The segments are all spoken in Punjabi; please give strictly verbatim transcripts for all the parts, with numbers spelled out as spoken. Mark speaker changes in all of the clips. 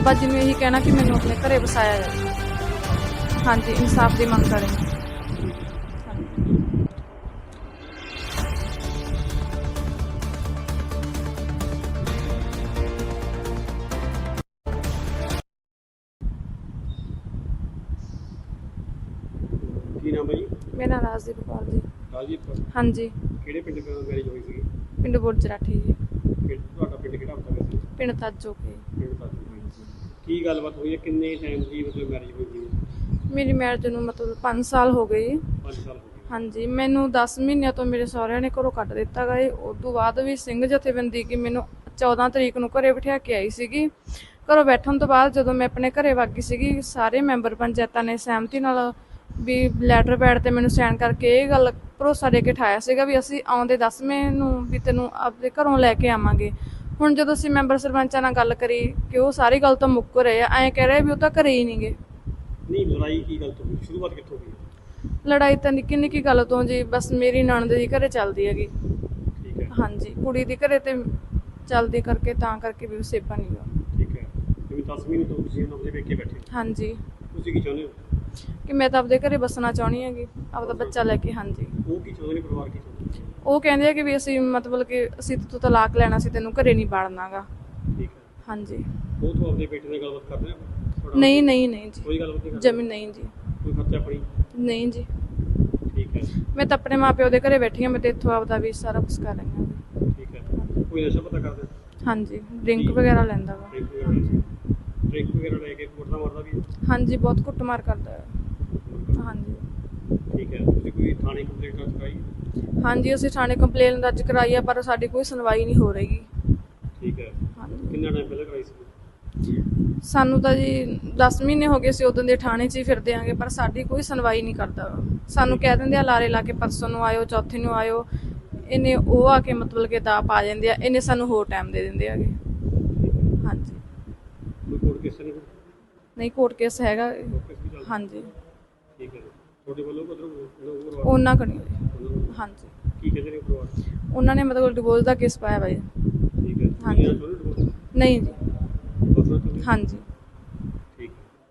Speaker 1: बाबा जी ने यही कहना कि मैंने अपने घरे बसाया जाए। हाँ जी, इंसाफ की मंग करें।
Speaker 2: ਕੀ ਨਾਮ ਹੈ ਜੀ?
Speaker 1: मेरा राजदीप कौर जी।
Speaker 2: ਰਾਜੀਵ ਕੌਰ।
Speaker 1: हाँ जी,
Speaker 2: ਕਿਹੜੇ ਪਿੰਡ ਤੋਂ ਮੈਰਿਜ ਹੋਈ ਸੀ?
Speaker 1: पिंड बुरजराठी जी,
Speaker 2: ਕਿ ਤੁਹਾਡਾ ਪਿੰਡ ਕਿਹੜਾ ਹੁੰਦਾ ਵੈਸੇ?
Speaker 1: पिंड ताजो के।
Speaker 2: ਪਿੰਡ ਦਾ ਕੀ ਗੱਲਬਾਤ ਹੋਈ ਹੈ? ਕਿੰਨੇ ਟਾਈਮ ਦੀ ਮਤਲਬ ਮੈਰਿਜ ਹੋਈ ਸੀ?
Speaker 1: मेरी मैरिज ਨੂੰ ਮਤਲਬ ਪੰਜ ਸਾਲ ਹੋ ਗਏ।
Speaker 2: ਪੰਜ ਸਾਲ ਹੋ ਗਏ।
Speaker 1: ਹਾਂਜੀ, ਮੈਨੂੰ ਦਸ ਮਹੀਨਿਆਂ ਤੋਂ ਮੇਰੇ ਸਹੁਰਿਆਂ ਨੇ ਘਰੋਂ ਕੱਢ ਦਿੱਤਾ ਗਾ। ਉਸ ਤੋਂ ਬਾਅਦ ਵੀ ਸਿੰਘ ਜਥੇਬੰਦੀ ਕਿ ਮੈਨੂੰ ਚੌਦਾਂ ਤਰੀਕ ਨੂੰ ਘਰੇ ਬਿਠਾ ਕੇ ਆਈ ਸੀਗੀ। ਘਰੋਂ ਬੈਠਣ ਤੋਂ ਬਾਅਦ ਜਦੋਂ ਮੈਂ ਆਪਣੇ ਘਰੇ ਵਗ ਗਈ ਸੀਗੀ, ਸਾਰੇ ਮੈਂਬਰ ਪੰਚਾਇਤਾਂ ਨੇ ਸਹਿਮਤੀ ਨਾਲ ਵੀ ਲੈਟਰ ਪੈਡ ਤੇ ਮੈਨੂੰ ਸਾਈਨ ਕਰਕੇ ਇਹ ਗੱਲ ਭਰੋਸਾ ਦੇ ਕੇ ਠਾਇਆ ਸੀਗਾ ਵੀ ਅਸੀਂ ਆਉਂਦੇ ਦਸਵੇਂ ਨੂੰ ਵੀ ਤੈਨੂੰ ਆਪਣੇ ਘਰੋਂ ਲੈ ਕੇ ਆਵਾਂਗੇ। ਹੁਣ ਜਦੋਂ ਅਸੀਂ ਮੈਂਬਰ ਸਰਪੰਚਾਂ ਨਾਲ ਗੱਲ ਕਰੀ ਕਿ ਉਹ ਸਾਰੀ ਗੱਲ ਤੋਂ ਮੁੱਕ ਰਹੇ ਆ, ਐਂ ਕਹਿ ਰਹੇ ਵੀ ਉਹ ਤਾਂ ਘਰੇ ਹੀ ਨਹੀਂ ਗੇ।
Speaker 2: ਨਹੀਂ, ਲੜਾਈ ਕੀ ਗੱਲ ਤੋਂ ਹੋਈ? ਸ਼ੁਰੂਆਤ ਕਿੱਥੋਂ ਹੋਈ?
Speaker 1: ਲੜਾਈ ਤਾਂ ਨਿੱਕੀ ਨਿੱਕੀ ਗੱਲ ਤੋਂ ਜੀ, ਬਸ ਮੇਰੀ ਨਣਦ ਦੀ ਘਰੇ ਚੱਲਦੀ ਹੈਗੀ।
Speaker 2: ਠੀਕ ਹੈ।
Speaker 1: ਹਾਂਜੀ, ਕੁੜੀ ਦੀ ਘਰੇ ਤੇ ਚੱਲਦੀ ਕਰਕੇ ਤਾਂ ਕਰਕੇ ਵੀ ਸੇਪਾ ਨਹੀਂ ਗਾ।
Speaker 2: ਠੀਕ ਹੈ। ਜਿਵੇਂ ਦਸ ਮਹੀਨੇ ਤੋਂ ਤੁਸੀਂ ਉਹਨਾਂ ਦੇ ਵੇਖੇ ਬੈਠੇ,
Speaker 1: ਹਾਂਜੀ,
Speaker 2: ਤੁਸੀਂ ਕੀ ਚਾਹੁੰਦੇ ਹੋ?
Speaker 1: ਕਿ ਮੈਂ ਤਾਂ ਆਪਦੇ ਘਰੇ ਬਸਣਾ ਚਾਹੁੰਦੀ ਹੈਗੀ, ਆਪਦਾ ਬੱਚਾ ਲੈ ਕੇ। ਹਾਂਜੀ,
Speaker 2: ਉਹ ਕੀ ਚਾਹੁੰਦੇ ਨੇ? ਪਰਿਵਾਰ ਕੀ ਚਾਹੁੰਦੇ?
Speaker 1: ਉਹ ਕਹਿੰਦੇ ਆ ਕਿ ਵੀ ਅਸੀਂ ਮਤਲਬ ਕਿ ਅਸੀਂ ਤੂੰ ਤਲਾਕ ਲੈਣਾ ਸੀ, ਤੈਨੂੰ ਘਰੇ ਨਹੀਂ ਵੜਨਾ ਗਾ।
Speaker 2: ਠੀਕ ਹੈ।
Speaker 1: ਹਾਂਜੀ।
Speaker 2: ਉਹ ਤੋਂ ਆਪਣੇ ਬੇਟੇ ਨਾਲ ਗੱਲਬਾਤ ਕਰਦੇ ਆ?
Speaker 1: ਨਹੀਂ ਨਹੀਂ ਨਹੀਂ ਜੀ,
Speaker 2: ਕੋਈ ਗੱਲਬਾਤ ਨਹੀਂ ਕਰਦੇ?
Speaker 1: ਜਮੀ ਨਹੀਂ ਜੀ।
Speaker 2: ਕੋਈ ਖਰਚਾ ਪਾਣੀ?
Speaker 1: ਨਹੀਂ ਜੀ,
Speaker 2: ਠੀਕ ਹੈ।
Speaker 1: ਮੈਂ ਤਾਂ ਆਪਣੇ ਮਾਪਿਓ ਦੇ ਘਰੇ ਬੈਠੀ ਹਾਂ। ਮੈਂ ਤਾਂ ਇੱਥੋਂ ਆਪਦਾ ਵੀ ਸਾਰਾ ਕੁਛ ਕਰ ਰਹੀ ਹਾਂ।
Speaker 2: ਠੀਕ ਹੈ। ਕੋਈ ਨਸ਼ਾ ਪਤਾ ਕਰਦਾ?
Speaker 1: ਹਾਂਜੀ, ਡਰਿੰਕ ਵਗੈਰਾ ਲੈਂਦਾ ਵਾ।
Speaker 2: ਡਰਿੰਕ ਵਗੈਰਾ ਡਰਿੰਕ ਵਗੈਰਾ ਲੈ ਕੇ ਕੁੱਟਦਾ ਮਾਰਦਾ ਵੀ?
Speaker 1: ਹਾਂਜੀ, ਬਹੁਤ ਕੁੱਟਮਾਰ ਕਰਦਾ ਹੈ। ਹਾਂਜੀ।
Speaker 2: ਠੀਕ ਹੈ। ਤੁਸੀਂ ਕੋਈ ਥਾਣੇ ਕੰਪਲੇਂਟ ਦਰਜ ਕਰਾਈ?
Speaker 1: ਹਾਂਜੀ, ਅਸੀਂ ਥਾਣੇ ਕੰਪਲੇਨ ਦਰਜ ਕਰਾਈ ਆ, ਪਰ ਸਾਡੀ ਕੋਈ ਸੁਣਵਾਈ ਨਹੀਂ ਹੋ ਰਹੀ।
Speaker 2: ਠੀਕ ਹੈ।
Speaker 1: ਹਾਂਜੀ,
Speaker 2: ਕਿੰਨਾ ਟਾਈਮ ਪਹਿਲਾਂ ਕਰਾਈ ਸੀ?
Speaker 1: ਸਾਨੂੰ ਤਾਂ ਜੀ ਦਸ ਮਹੀਨੇ ਹੋ ਗਏ ਸੀ ਉਦੋਂ ਦੇ ਥਾਣੇ 'ਚ ਹੀ ਫਿਰਦੇ ਆਂਗੇ, ਪਰ ਸਾਡੀ ਕੋਈ ਸੁਣਵਾਈ ਨਹੀਂ ਕਰਦਾ। ਸਾਨੂੰ ਕਹਿ ਦਿੰਦੇ ਆ ਲਾਰੇ ਲਾ ਕੇ ਪਰਸੋਂ ਨੂੰ ਆਇਓ, ਚੌਥੇ ਨੂੰ ਆਇਓ। ਇਹਨੇ ਉਹ ਆ ਕੇ ਮਤਲਬ ਕਿ ਦਾ ਪਾ ਜਾਂਦੇ ਆ, ਇਹਨੇ ਸਾਨੂੰ ਹੋਰ ਟਾਈਮ ਦੇ ਦਿੰਦੇ ਹੈਗੇ। ਹਾਂਜੀ।
Speaker 2: ਕੋਈ ਕੋਰਟ ਕੇਸ ਨਹੀਂ?
Speaker 1: ਨਹੀਂ, ਕੋਰਟ ਕੇਸ ਹੈਗਾ।
Speaker 2: ਕੋਰਟ ਕੇਸ ਵੀ ਚੱਲਦਾ?
Speaker 1: ਹਾਂਜੀ।
Speaker 2: ਠੀਕ ਹੈ। ਤੁਹਾਡੇ ਵੱਲੋਂ ਕਦੋਂ
Speaker 1: ਉਹਨਾਂ ਕਣੀ। ਹਾਂਜੀ।
Speaker 2: ਕੀ ਕਹਿੰਦੇ ਨੇ ਪਰਿਵਾਰ?
Speaker 1: ਉਹਨਾਂ ਨੇ ਮਤਲਬ ਡਿਵੋਰਸ ਦਾ ਕੇਸ ਪਾਇਆ ਵਾ ਜੀ।
Speaker 2: ਠੀਕ ਹੈ।
Speaker 1: ਹਾਂਜੀ। ਨਹੀਂ ਜੀ। ਹਾਂਜੀ।
Speaker 2: ਠੀਕ।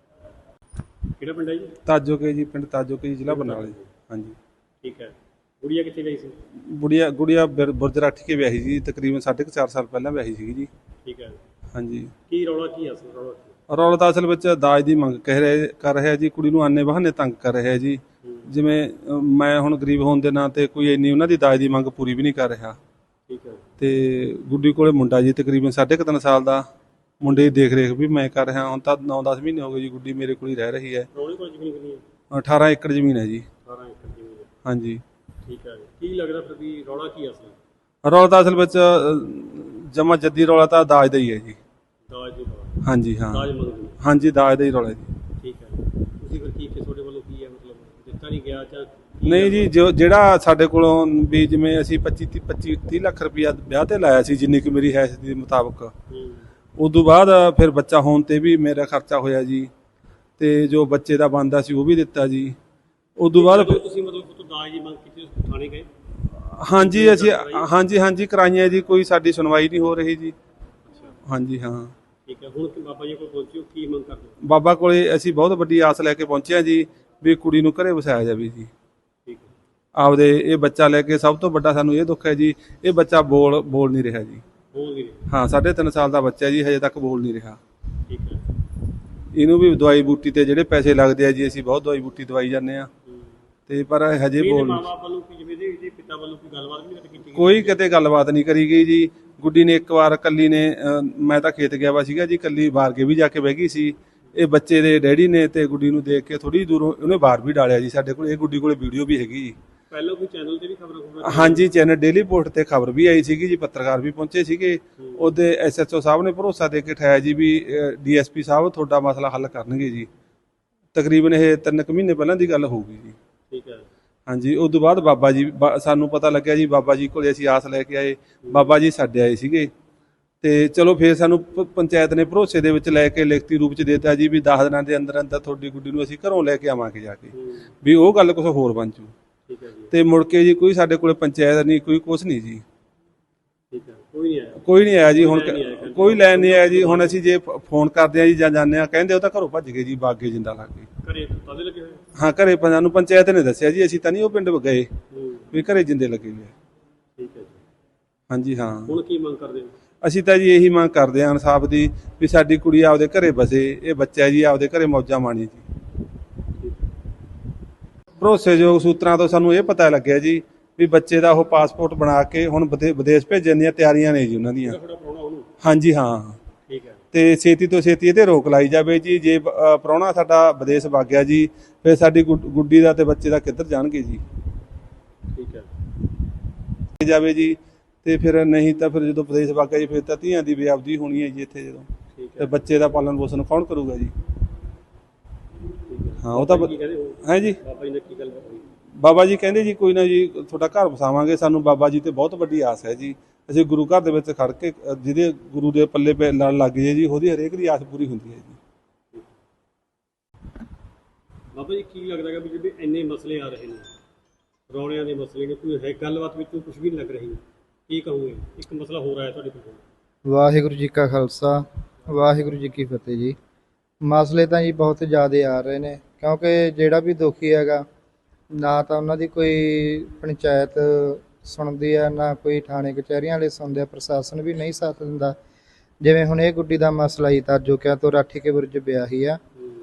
Speaker 2: ਕਿਹੜਾ ਪਿੰਡ ਹੈ ਜੀ?
Speaker 3: ਤਾਜੋ ਕੇ ਜੀ, ਪਿੰਡ ਤਾਜੋ ਕੇ ਜੀ, ਜ਼ਿਲ੍ਹਾ ਬਰਨਾਲਾ ਜੀ। ਹਾਂਜੀ।
Speaker 2: ਠੀਕ ਹੈ। ਗੁੜੀਆ ਕਿੱਥੇ ਗਈ ਸੀ?
Speaker 3: ਗੁੜੀਆ ਗੁੜੀਆ ਬੁਰਜਰਾਠੀ ਕੇ ਵਿਆਹੀ ਜੀ, ਤਕਰੀਬਨ ਸਾਢੇ ਕੁ ਚਾਰ ਸਾਲ ਪਹਿਲਾਂ ਵਿਆਹੀ ਸੀਗੀ ਜੀ।
Speaker 2: ਠੀਕ ਹੈ।
Speaker 3: ਹਾਂਜੀ।
Speaker 2: ਕੀ ਰੌਲਾ ਕੀ ਅਸਲ ਰੌਲਾ?
Speaker 3: ਰੌਲਾ ਤਾਂ ਅਸਲ ਵਿੱਚ ਦਾਜ ਦੀ ਮੰਗ ਕਹਿ ਰਹੇ ਕਰ ਰਿਹਾ ਜੀ, ਕੁੜੀ ਨੂੰ ਆਨੇ ਬਹਾਨੇ ਤੰਗ ਕਰ ਰਿਹਾ ਜੀ। ਜਿਵੇਂ ਅ, ਮੈਂ ਹੁਣ ਗਰੀਬ ਹੋਣ ਦੇ ਨਾਂ ਤੇ ਕੋਈ ਇੰਨੀ ਉਹਨਾਂ ਦੀ ਦਾਜ ਦੀ ਮੰਗ ਪੂਰੀ ਵੀ ਨਹੀਂ ਕਰ ਰਿਹਾ।
Speaker 2: ਠੀਕ ਹੈ।
Speaker 3: ਤੇ ਗੁੱਡੀ ਕੋਲੇ ਮੁੰਡਾ ਜੀ ਤਕਰੀਬਨ ਸਾਢੇ ਕੁ ਤਿੰਨ ਸਾਲ ਦਾ। ਮੁੰਡੇ ਦੀ ਦੇਖ ਰੇਖ ਵੀ ਮੈਂ ਕਰ ਰਿਹਾ। ਹੁਣ ਤਾਂ ਨੌ ਦਸ ਮਹੀਨੇ ਹੋ ਗਏ ਜੀ, ਗੁੱਡੀ ਮੇਰੇ ਕੋਲ ਹੀ ਰਹਿ ਰਹੀ ਹੈ।
Speaker 2: ਰੌਲੇ ਕੋਲ ਜ਼ਮੀਨ ਕਿੰਨੀ ਹੈ?
Speaker 3: ਅਠਾਰਾਂ ਏਕੜ ਜ਼ਮੀਨ ਹੈ ਜੀ।
Speaker 2: ਅਠਾਰਾਂ ਏਕੜ ਜ਼ਮੀਨ ਹੈ।
Speaker 3: ਹਾਂਜੀ।
Speaker 2: ਠੀਕ ਹੈ। ਕੀ ਲੱਗਦਾ ਫਿਰ ਵੀ ਰੌਲਾ ਕੀ ਅਸਲ?
Speaker 3: ਰੌਲਾ ਤਾਂ ਅਸਲ ਵਿੱਚ ਜਮਾ ਜੱਦੀ ਰੌਲਾ ਤਾਂ ਦਾਜ ਦਾ ਹੀ ਹੈ ਜੀ।
Speaker 2: ਦਾਜ ਦੀ ਰੌਲਾ?
Speaker 3: ਹਾਂਜੀ ਹਾਂ।
Speaker 2: ਦਾਜ ਮੰਗਦੇ?
Speaker 3: ਹਾਂਜੀ, ਦਾਜ ਦਾ ਹੀ ਰੌਲਾ ਜੀ।
Speaker 2: ਠੀਕ ਹੈ। ਤੁਸੀਂ ਫਿਰ ਕੀ ਤੁਹਾਡੇ ਵੱਲੋਂ ਕੀ ਹੈ ਮਤਲਬ ਦਿੱਤਾ ਨਹੀਂ ਗਿਆ ਜਾਂ?
Speaker 3: ਨਹੀਂ ਜੀ, ਜੋ ਜਿਹੜਾ ਸਾਡੇ ਕੋਲੋਂ ਵੀ ਜਿਵੇਂ ਅਸੀਂ ਪੱਚੀ ਪੱਚੀ ਤੀਹ ਲੱਖ ਰੁਪਇਆ ਵਿਆਹ ਤੇ ਲਾਇਆ ਸੀ, ਜਿੰਨੀ ਕਿ ਮੇਰੀ ਹੈਸ ਦੇ ਮੁਤਾਬਕ। ਉਦੋਂ ਬਾਅਦ ਫਿਰ ਬੱਚਾ ਹੋਣ ਤੇ ਵੀ ਮੇਰਾ ਖਰਚਾ ਹੋਇਆ ਜੀ, ਤੇ ਜੋ ਬੱਚੇ ਦਾ ਬਣਦਾ ਸੀ ਉਹ ਵੀ ਦਿੱਤਾ ਜੀ। ਉਦੋਂ ਬਾਅਦ
Speaker 2: ਤੁਸੀਂ ਮਤਲਬ ਦਾਜ ਦੀ ਮੰਗ ਕੀਤੀ, ਥਾਣੇ ਗਏ?
Speaker 3: ਹਾਂਜੀ ਅਸੀਂ ਹਾਂਜੀ ਹਾਂਜੀ ਕਰਾਈਆਂ ਜੀ, ਕੋਈ ਸਾਡੀ ਸੁਣਵਾਈ ਨਹੀਂ ਹੋ ਰਹੀ ਜੀ। ਹਾਂਜੀ ਹਾਂ।
Speaker 2: ਠੀਕ ਹੈ। ਹੁਣ ਬਾਬਾ ਜੀ ਕੋਲ ਪਹੁੰਚਿਓ, ਕੀ ਮੰਗ ਕਰਦੇ?
Speaker 3: ਬਾਬਾ ਕੋਲੇ ਅਸੀਂ ਬਹੁਤ ਵੱਡੀ ਆਸ ਲੈ ਕੇ ਪਹੁੰਚੇ ਹਾਂ ਜੀ ਵੀ ਕੁੜੀ ਨੂੰ ਘਰੇ ਵਸਾਇਆ ਜਾਵੇ ਜੀ।
Speaker 2: ਠੀਕ ਹੈ।
Speaker 3: ਆਪਦੇ ਇਹ ਬੱਚਾ ਲੈ ਕੇ ਸਭ ਤੋਂ ਵੱਡਾ ਸਾਨੂੰ ਇਹ ਦੁੱਖ ਹੈ ਜੀ, ਇਹ ਬੱਚਾ ਬੋਲ ਬੋਲ ਨਹੀਂ ਰਿਹਾ ਜੀ।
Speaker 2: ਬੋਲ ਨਹੀਂ ਰਿਹਾ?
Speaker 3: ਹਾਂ, ਸਾਢੇ ਤਿੰਨ ਸਾਲ ਦਾ ਬੱਚਾ ਜੀ, ਹਜੇ ਤੱਕ ਬੋਲ ਨਹੀਂ ਰਿਹਾ।
Speaker 2: ਠੀਕ ਹੈ।
Speaker 3: ਇਹਨੂੰ ਵੀ ਦਵਾਈ ਬੂਟੀ ਤੇ ਜਿਹੜੇ ਪੈਸੇ ਲੱਗਦੇ ਆ ਜੀ, ਅਸੀਂ ਬਹੁਤ ਦਵਾਈ ਬੂਟੀ ਦਵਾਈ ਜਾਂਦੇ ਆ, ਤੇ ਪਰ ਹਜੇ ਬੋਲ
Speaker 2: ਮਾਂ-ਬਾਪ ਵੱਲੋਂ ਕੀ ਜਿਵੇਂ ਇਹਦੇ ਪਿਤਾ ਵੱਲੋਂ ਕੋਈ ਗੱਲਬਾਤ ਨਹੀਂ ਕੀਤੀ?
Speaker 3: ਕੋਈ ਕਿਤੇ ਗੱਲਬਾਤ ਨਹੀਂ ਕਰੀ ਗਈ ਜੀ। ਗੁੱਡੀ ਨੇ ਇੱਕ ਵਾਰ ਕੱਲੀ ਨੇ, ਮੈਂ ਤਾਂ ਖੇਤ ਗਿਆ ਵਾ ਸੀਗਾ ਜੀ, ਕੱਲੀ ਬਾਹਰ ਕੇ ਵੀ ਜਾ ਕੇ ਬਹਿ ਗਈ ਸੀ। ਇਹ ਬੱਚੇ ਦੇ ਡੈਡੀ ਨੇ ਤੇ ਗੁੱਡੀ ਨੂੰ ਦੇਖ ਕੇ ਥੋੜੀ ਦੂਰੋਂ ਉਹਨੇ ਬਾਹਰ ਵੀ ਡਾਲਿਆ ਜੀ ਸਾਡੇ ਕੋਲ। ਇਹ ਗੁੱਡੀ ਕੋਲੇ ਵੀਡੀਓ ਵੀ ਹੈਗੀ ਜੀ।
Speaker 2: ਪਹਿਲਾਂ ਕੋਈ ਚੈਨਲ ਤੇ ਵੀ ਖਬਰ ਖਬਰ?
Speaker 3: ਹਾਂਜੀ, ਚੈਨਲ ਡੇਲੀ ਪੋਸਟ ਤੇ ਖਬਰ ਵੀ ਆਈ ਸੀਗੀ ਜੀ, ਪੱਤਰਕਾਰ ਵੀ ਪਹੁੰਚੇ ਸੀਗੇ। ਉਹਦੇ ਐਸ ਐਚ ਓ ਸਾਹਿਬ ਨੇ ਭਰੋਸਾ ਦੇ ਕੇ ਠਾਇਆ ਜੀ ਵੀ ਡੀ ਐਸ ਪੀ ਸਾਹਿਬ ਤੁਹਾਡਾ ਮਸਲਾ ਹੱਲ ਕਰਨਗੇ ਜੀ। ਤਕਰੀਬਨ ਇਹ ਤਿੰਨ ਕੁ ਮਹੀਨੇ ਪਹਿਲਾਂ ਦੀ ਗੱਲ ਹੋਊਗੀ ਜੀ।
Speaker 2: ਠੀਕ ਹੈ।
Speaker 3: ਹਾਂਜੀ। ਉਸ ਤੋਂ ਬਾਅਦ ਬਾਬਾ ਜੀ, ਸਾਨੂੰ ਪਤਾ ਲੱਗਿਆ ਜੀ, ਬਾਬਾ ਜੀ ਕੋਲੇ ਅਸੀਂ ਆਸ ਲੈ ਕੇ ਆਏ। ਬਾਬਾ ਜੀ ਸਾਡੇ ਆਏ ਸੀਗੇ, ਤੇ ਚਲੋ ਫਿਰ ਸਾਨੂੰ ਪੰਚਾਇਤ ਨੇ ਭਰੋਸੇ ਦੇ ਵਿੱਚ ਲੈ ਕੇ ਲਿਖਤੀ ਰੂਪ ਚ ਦੇਤਾ ਜੀ ਵੀ ਦਸ ਦਿਨਾਂ ਦੇ ਅੰਦਰ ਅੰਦਰ ਤੁਹਾਡੀ ਗੁੱਡੀ ਨੂੰ ਅਸੀਂ ਘਰੋਂ ਲੈ ਕੇ ਆਵਾਂਗੇ ਜਾ ਕੇ, ਵੀ ਉਹ ਗੱਲ ਕੁਛ ਹੋਰ ਬਣ ਜੂ।
Speaker 2: ਠੀਕ ਹੈ ਜੀ।
Speaker 3: ਤੇ ਮੁੜ ਕੇ ਜੀ ਕੋਈ ਸਾਡੇ ਕੋਲੇ ਪੰਚਾਇਤ ਨਹੀਂ, ਕੋਈ ਕੁਛ ਨਹੀਂ ਜੀ।
Speaker 2: ਠੀਕ ਹੈ। ਕੋਈ ਨਹੀਂ ਆਇਆ?
Speaker 3: ਕੋਈ ਨਹੀਂ ਆਇਆ ਜੀ। ਹੁਣ ਕੋਈ ਲੈਣ ਨਹੀਂ ਆਇਆ ਜੀ। ਹੁਣ ਅਸੀਂ ਜੇ ਫ- ਫੋਨ ਕਰਦੇ ਆ ਜੀ ਜਾਂ ਜਾਂਦੇ ਆ, ਕਹਿੰਦੇ ਉਹ ਤਾਂ ਘਰੋਂ ਭੱਜ ਗਏ ਜੀ, ਬਾਗੇ ਜਿੰਦਾ ਲੱਗ ਗਏ।
Speaker 2: ਘਰੇ ਤਾਲੇ ਲੱਗੇ ਹੋਏ?
Speaker 3: ਹਾਂ, ਘਰੇ ਪੰਜਾਂ ਨੂੰ ਪੰਚਾਇਤ ਨੇ ਦੱਸਿਆ ਜੀ, ਅਸੀਂ ਤਾਂ ਨਹੀਂ ਉਹ ਪਿੰਡ ਗਏ
Speaker 2: ਹੂੰ,
Speaker 3: ਵੀ ਘਰੇ ਜਿੰਦੇ ਲੱਗੇ ਹੋਏ ਆ।
Speaker 2: ਠੀਕ ਹੈ ਜੀ।
Speaker 3: ਹਾਂਜੀ ਹਾਂ,
Speaker 2: ਹੁਣ ਕੀ ਮੰਗ ਕਰਦੇ ਹੋ? ਅਸੀਂ
Speaker 3: ਅਸੀਂ ਤਾਂ ਜੀ ਇਹੀ ਮੰਗ ਕਰਦੇ ਹਾਂ ਇਨਸਾਫ ਦੀ, ਵੀ ਸਾਡੀ ਕੁੜੀ ਆਪਦੇ ਘਰੇ ਬਸੇ, ਇਹ ਬੱਚਾ ਜੀ ਆਪਦੇ ਘਰੇ ਮੌਜਾਂ ਮਾਣੀ ਜੀ। ਭਰੋਸੇਯੋਗ ਸੂਤਰਾਂ ਤੋਂ ਸਾਨੂੰ ਇਹ ਪਤਾ ਲੱਗਿਆ ਜੀ ਵੀ ਬੱਚੇ ਦਾ ਉਹ ਪਾਸਪੋਰਟ ਬਣਾ ਕੇ ਹੁਣ ਵਿਦੇ- ਵਿਦੇਸ਼ ਭੇਜਣ ਦੀਆਂ ਤਿਆਰੀਆਂ ਨੇ ਜੀ ਉਹਨਾਂ ਦੀਆਂ।
Speaker 2: ਥੋੜਾ ਪ੍ਰਾਹੁਣਾ ਉਹਨੂੰ?
Speaker 3: ਹਾਂਜੀ ਹਾਂ,
Speaker 2: ਠੀਕ ਹੈ।
Speaker 3: ਤੇ ਛੇਤੀ ਤੋਂ ਛੇਤੀ ਇਹਦੇ ਰੋਕ ਲਾਈ ਜਾਵੇ ਜੀ। ਜੇ ਅ, ਪ੍ਰਾਹੁਣਾ ਸਾਡਾ ਵਿਦੇਸ਼ ਵਗ ਗਿਆ ਜੀ, ਫਿਰ ਸਾਡੀ ਗੁੱਡ- ਗੁੱਡੀ ਦਾ ਤੇ ਬੱਚੇ ਦਾ ਕਿੱਧਰ ਜਾਣਗੇ ਜੀ।
Speaker 2: ਠੀਕ ਹੈ।
Speaker 3: ਜਾਵੇ ਜੀ, ਤੇ ਫਿਰ ਨਹੀਂ ਤਾਂ ਫਿਰ ਜਦੋਂ ਵਿਦੇਸ਼ ਵਗ ਗਿਆ ਜੀ, ਫਿਰ ਤਾਂ ਧੀਆਂ ਦੀ ਬੇਅਬਦੀ ਹੋਣੀ ਹੈ ਜੀ ਇੱਥੇ ਜਦੋਂ।
Speaker 2: ਠੀਕ
Speaker 3: ਤੇ
Speaker 2: ਹੈ।
Speaker 3: ਬੱਚੇ ਦਾ ਪਾਲਣ ਪੋਸ਼ਣ ਕੌਣ ਕਰੂਗਾ ਜੀ।
Speaker 2: ਠੀਕ ਹੈ।
Speaker 3: ਹਾਂ, ਉਹ ਤਾਂ
Speaker 2: ਬਾਬਾ ਜੀ ਕੀ ਕਹਿੰਦੇ ਹੋ?
Speaker 3: ਹੈ ਜੀ।
Speaker 2: ਬਾਬਾ ਜੀ ਨੇ ਕੀ ਗੱਲ ਹੋਈ?
Speaker 3: ਬਾਬਾ ਜੀ ਕਹਿੰਦੇ ਜੀ ਕੋਈ ਨਾ ਜੀ ਤੁਹਾਡਾ ਘਰ ਵਸਾਵਾਂਗੇ। ਸਾਨੂੰ ਬਾਬਾ ਜੀ ਤੇ ਬਹੁਤ ਵੱਡੀ ਆਸ ਹੈ ਜੀ। ਅਸੀਂ ਗੁਰੂ ਘਰ ਦੇ ਵਿੱਚ ਖੜ ਕੇ ਅ, ਜਿਹਦੇ ਗੁਰੂ ਦੇ ਪੱਲੇ ਪੈ ਲੜ ਲੱਗ ਜੇ ਜੀ, ਉਹਦੀ ਹਰੇਕ ਦੀ ਆਸ ਪੂਰੀ ਹੁੰਦੀ ਹੈ ਜੀ।
Speaker 2: ਬਾਬਾ ਜੀ ਕੀ ਲੱਗਦਾ ਹੈ ਵੀ ਜਿਹੜੇ ਇੰਨੇ ਮਸਲੇ ਆ ਰਹੇ ਨੇ, ਰੌਣਿਆਂ ਦੇ ਮਸਲੇ ਨੇ, ਕੋਈ ਹੈ ਗੱਲਬਾਤ ਵਿੱਚੋਂ ਕੁਝ ਵੀ ਨਹੀਂ ਲੱਗ ਰਹੀ, ਕੀ ਕਹੋਗੇ? ਇੱਕ ਮਸਲਾ ਹੋਰ ਆਇਆ ਤੁਹਾਡੇ ਕੋਲ।
Speaker 4: ਵਾਹਿਗੁਰੂ ਜੀ ਕਾ ਖਾਲਸਾ, ਵਾਹਿਗੁਰੂ ਜੀ ਕੀ ਫਤਿਹ ਜੀ। ਮਸਲੇ ਤਾਂ ਜੀ ਬਹੁਤ ਜ਼ਿਆਦਾ ਆ ਰਹੇ ਨੇ, ਕਿਉਂਕਿ ਜਿਹੜਾ ਵੀ ਦੁਖੀ ਹੈਗਾ, ਨਾ ਤਾਂ ਉਹਨਾਂ ਦੀ ਕੋਈ ਪੰਚਾਇਤ ਸੁਣਦੀ ਆ, ਨਾ ਕੋਈ ਥਾਣੇ ਕਚਹਿਰੀਆਂ ਵਾਲੇ ਸੁਣਦੇ ਆ, ਪ੍ਰਸ਼ਾਸਨ ਵੀ ਨਹੀਂ ਸਾਥ ਦਿੰਦਾ। ਜਿਵੇਂ ਹੁਣ ਇਹ ਗੁੱਡੀ ਦਾ ਮਸਲਾ ਹੀ ਤਾਜੋਕਿਆਂ ਤੋਂ ਰਾਠੀ ਕੇ ਬੁਰਜ ਵਿਆਹੀ ਆ,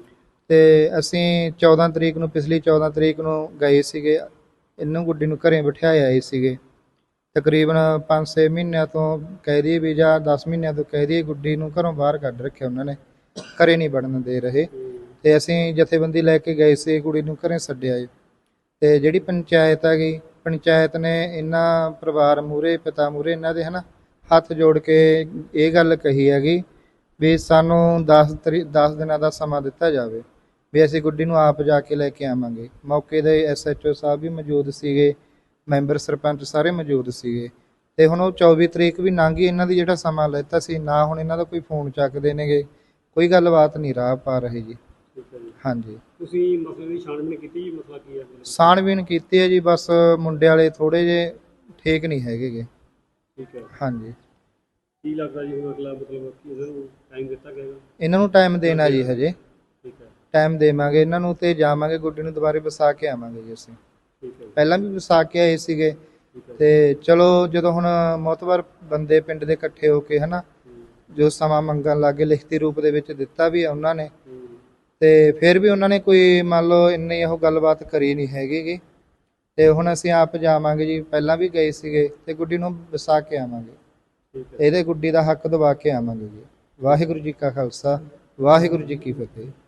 Speaker 4: ਤੇ ਅਸੀਂ ਚੌਦਾਂ ਤਰੀਕ ਨੂੰ, ਪਿਛਲੀ ਚੌਦਾਂ ਤਰੀਕ ਨੂੰ ਗਏ ਸੀਗੇ, ਇਹਨੂੰ ਗੁੱਡੀ ਨੂੰ ਘਰੇ ਬਿਠਾਏ ਆਏ ਸੀਗੇ। ਤਕਰੀਬਨ ਪੰਜ ਛੇ ਮਹੀਨਿਆਂ ਤੋਂ ਕਹਿ ਦਈਏ ਵੀ, ਜਾਂ ਦਸ ਮਹੀਨਿਆਂ ਤੋਂ ਕਹਿ ਦਈਏ, ਗੁੱਡੀ ਨੂੰ ਘਰੋਂ ਬਾਹਰ ਕੱਢ ਰੱਖਿਆ ਉਹਨਾਂ ਨੇ, ਘਰੇ ਨਹੀਂ ਵੜਨ ਦੇ ਰਹੇ। ਤੇ ਅਸੀਂ ਜਥੇਬੰਦੀ ਲੈ ਕੇ ਗਏ ਸੀ, ਕੁੜੀ ਨੂੰ ਘਰੇ ਛੱਡਿਆ ਜੀ। ਤੇ ਜਿਹੜੀ ਪੰਚਾਇਤ ਹੈਗੀ, ਪੰਚਾਇਤ ਨੇ ਇਹਨਾਂ ਪਰਿਵਾਰ ਮੂਹਰੇ, ਪਿਤਾ ਮੂਹਰੇ ਇਹਨਾਂ ਦੇ ਹਨਾ ਹੱਥ ਜੋੜ ਕੇ ਇਹ ਗੱਲ ਕਹੀ ਹੈਗੀ ਵੀ ਸਾਨੂੰ ਦਸ ਤਰੀ ਦਸ ਦਿਨਾਂ ਦਾ ਸਮਾਂ ਦਿੱਤਾ ਜਾਵੇ, ਵੀ ਅਸੀਂ ਗੁੱਡੀ ਨੂੰ ਆਪ ਜਾ ਕੇ ਲੈ ਕੇ ਆਵਾਂਗੇ। ਮੌਕੇ ਦੇ ਐਸ ਐਚ ਓ ਸਾਹਿਬ ਵੀ ਮੌਜੂਦ ਸੀਗੇ, ਮੈਂਬਰ ਸਰਪੰਚ ਸਾਰੇ ਮੌਜੂਦ ਸੀਗੇ। ਤੇ ਹੁਣ ਉਹ ਚੌਵੀ ਤਰੀਕ ਵੀ ਲੰਘ ਗਈ, ਇਹਨਾਂ ਦੀ ਜਿਹੜਾ ਸਮਾਂ ਲੈਤਾ ਸੀ, ਨਾ ਹੁਣ ਇਹਨਾਂ ਦਾ ਕੋਈ ਫੋਨ ਚੱਕਦੇ ਨੇਗੇ, ਕੋਈ ਗੱਲਬਾਤ ਨਹੀਂ ਰਾਹ ਪਾ ਰਹੇ ਜੀ।
Speaker 2: ਠੀਕ ਹੈ ਜੀ।
Speaker 4: ਹਾਂਜੀ,
Speaker 2: ਤੁਸੀਂ ਮਸਲੇ ਦੀ ਛਾਣਬੀਣ ਕੀਤੀ ਜੀ? ਮਸਲਾ ਕੀ ਹੈ?
Speaker 4: ਛਾਣਬੀਣ ਕੀਤੀ ਹੈ ਜੀ, ਬਸ ਮੁੰਡੇ ਵਾਲੇ ਥੋੜੇ ਜਿਹੇ ਠੀਕ ਨਹੀਂ ਹੈਗੇਗੇ।
Speaker 2: ਠੀਕ ਹੈ।
Speaker 4: ਹਾਂਜੀ,
Speaker 2: ਕੀ ਲੱਗਦਾ ਜੀ ਹੁਣ ਅਗਲਾ ਮਤਲਬ ਕਿ ਇਹਨਾਂ ਨੂੰ ਟਾਈਮ ਦਿੱਤਾ ਗਿਆ?
Speaker 4: ਇਹਨਾਂ ਨੂੰ ਟਾਈਮ ਦੇਣਾ ਜੀ, ਹਜੇ
Speaker 2: ਠੀਕ ਹੈ।
Speaker 4: ਟਾਈਮ ਦੇਵਾਂਗੇ ਇਹਨਾਂ ਨੂੰ, ਤੇ ਜਾਵਾਂਗੇ ਗੁੱਡੀ ਨੂੰ ਦੁਬਾਰੇ ਵਸਾ ਕੇ ਆਵਾਂਗੇ ਜੀ। ਅਸੀਂ
Speaker 2: ਠੀਕ ਹੈ।
Speaker 4: ਪਹਿਲਾਂ ਵੀ ਵਸਾ ਕੇ ਆਏ ਸੀਗੇ,
Speaker 2: ਠੀਕ ਹੈ।
Speaker 4: ਤੇ ਚਲੋ ਜਦੋਂ ਹੁਣ ਮੋਤਬਰ ਬੰਦੇ ਪਿੰਡ ਦੇ ਇਕੱਠੇ ਹੋ ਕੇ ਹਨਾ, ਜੋ ਸਮਾਂ ਮੰਗਣ ਲੱਗੇ, ਲਿਖਤੀ ਰੂਪ ਦੇ ਵਿੱਚ ਦਿੱਤਾ ਵੀ ਆ ਉਹਨਾਂ ਨੇ, ਤੇ ਫਿਰ ਵੀ ਉਹਨਾਂ ਨੇ ਕੋਈ ਮੰਨ ਲਓ ਇੰਨੀ ਉਹ ਗੱਲਬਾਤ ਕਰੀ ਨਹੀਂ ਹੈਗੀ। ਤੇ ਹੁਣ ਅਸੀਂ ਆਪ ਜਾਵਾਂਗੇ ਜੀ, ਪਹਿਲਾਂ ਵੀ ਗਏ ਸੀਗੇ, ਤੇ ਗੁੱਡੀ ਨੂੰ ਵਸਾ ਕੇ ਆਵਾਂਗੇ,
Speaker 2: ਠੀਕ ਹੈ।
Speaker 4: ਇਹਦੇ ਗੁੱਡੀ ਦਾ ਹੱਕ ਦਵਾ ਕੇ ਆਵਾਂਗੇ ਜੀ। ਵਾਹਿਗੁਰੂ ਜੀ ਕਾ ਖਾਲਸਾ, ਵਾਹਿਗੁਰੂ ਜੀ ਕੀ ਫਤਿਹ।